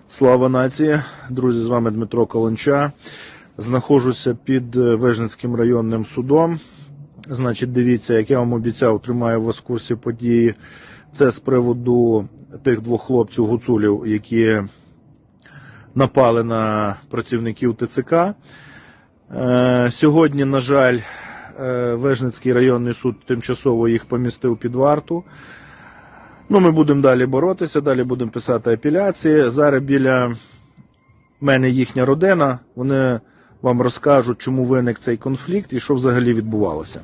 Слава нації! Друзі, з вами Дмитро Каланча. Знаходжуся під Вижницьким районним судом. Значить, дивіться, як я вам обіцяв, тримаю вас в курсі події. Це з приводу тих двох хлопців-гуцулів, які напали на працівників ТЦК. Сьогодні, на жаль, Вижницький районний суд тимчасово їх помістив під варту. Ми будемо далі боротися, далі будемо писати апеляції. Зараз біля мене їхня родина, вони вам розкажуть, чому виник цей конфлікт і що взагалі відбувалося.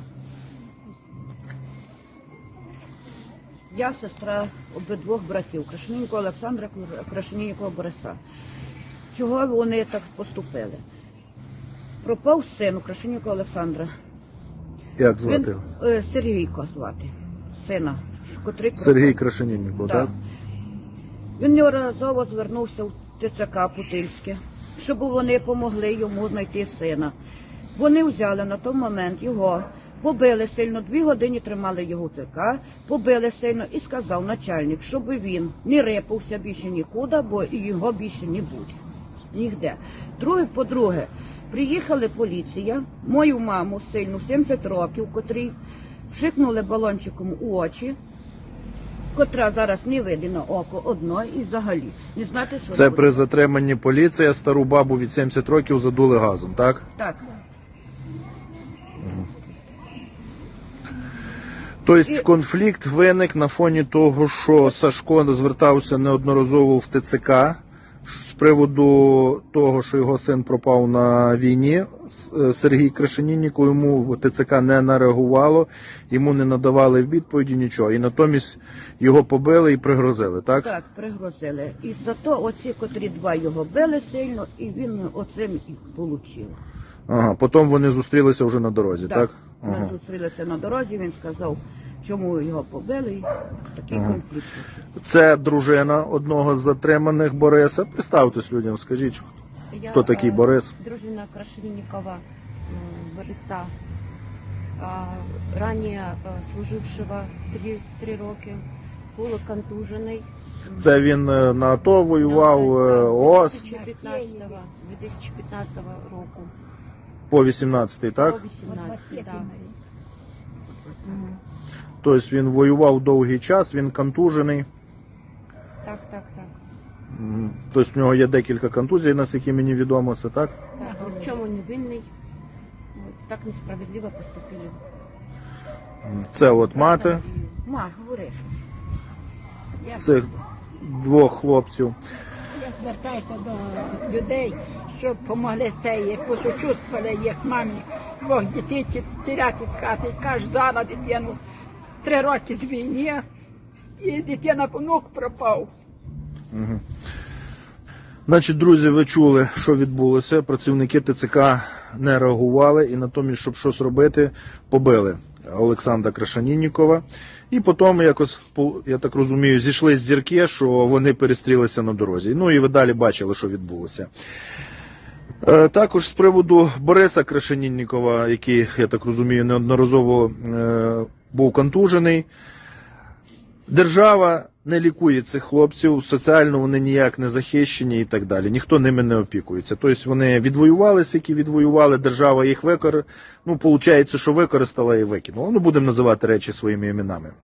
Я сестра обидвох братів, Крашеніннікова Олександра, Крашеніннікова Бориса. Чого вони так поступили? Пропав син у Крашеніннікова Олександра. Як звати його? Сергійко звати, сина. Сергій Крашенінніков, так? Він неодноразово звернувся в ТЦК Путильське, щоб вони допомогли йому знайти сина. Вони взяли на той момент його, побили сильно, 2 години тримали його в ТЦК, побили сильно і сказав начальник, щоб він не рипався більше нікуди, бо його більше не буде. Нігде. По-друге, приїхала поліція, мою маму сильну, 70 років, котрій вшикнули балончиком у очі, котра зараз не видно на око одно і взагалі не знати, що Це буде. при затриманні поліція стару бабу від 70 років задули газом, так? Так. Тобто конфлікт виник на фоні того, що Сашко звертався неодноразово в ТЦК з приводу того, що його син пропав на війні. Сергій Крашенінніков, йому ТЦК не нареагувало, йому не надавали відповіді нічого. І натомість його побили і пригрозили, так? Так, пригрозили. І зато оці, котрі 2 його били сильно, і він оцим і отримав. Ага, потім вони зустрілися вже на дорозі, так? Ми зустрілися на дорозі, він сказав, чому його побили, і такий конфлікт почався. Це дружина одного з затриманих Бориса. Представтесь людям, скажіть, хто такий Борис? Дружина Крашенинникова Бориса, ранее служившего 3 роки, полуконтужений. Це він на АТО воював, ООС 2015 року. по 18-й, так? По 18, так. Тобто він воював довгий час, він контужений. Так. Тобто в нього є декілька контузій, наскільки мені відомо, це так? Так, ні в чому не винний. Так несправедливо поступили. Це от мати Ма, говориш. цих двох хлопців. Я звертаюся до людей, щоб допомогли цієї, посочувствували їх мамі, 2 дітей тіряти з хати. Кажуть, зараз дитину 3 роки з війни, і дитина внук пропав. Значить, друзі, ви чули, що відбулося. Працівники ТЦК не реагували і натомість, щоб щось робити, побили Олександра Крашеніннікова. І потім якось, я так розумію, зійшли з зірки, що вони перестрілися на дорозі. І ви далі бачили, що відбулося. Також з приводу Бориса Крашеніннікова, який, я так розумію, неодноразово був контужений. Держава не лікує цих хлопців, соціально вони ніяк не захищені і так далі. Ніхто ними не опікується. Тобто вони відвоювалися, які відвоювали, держава їх виходить, що використала і викинула. Будемо називати речі своїми іменами.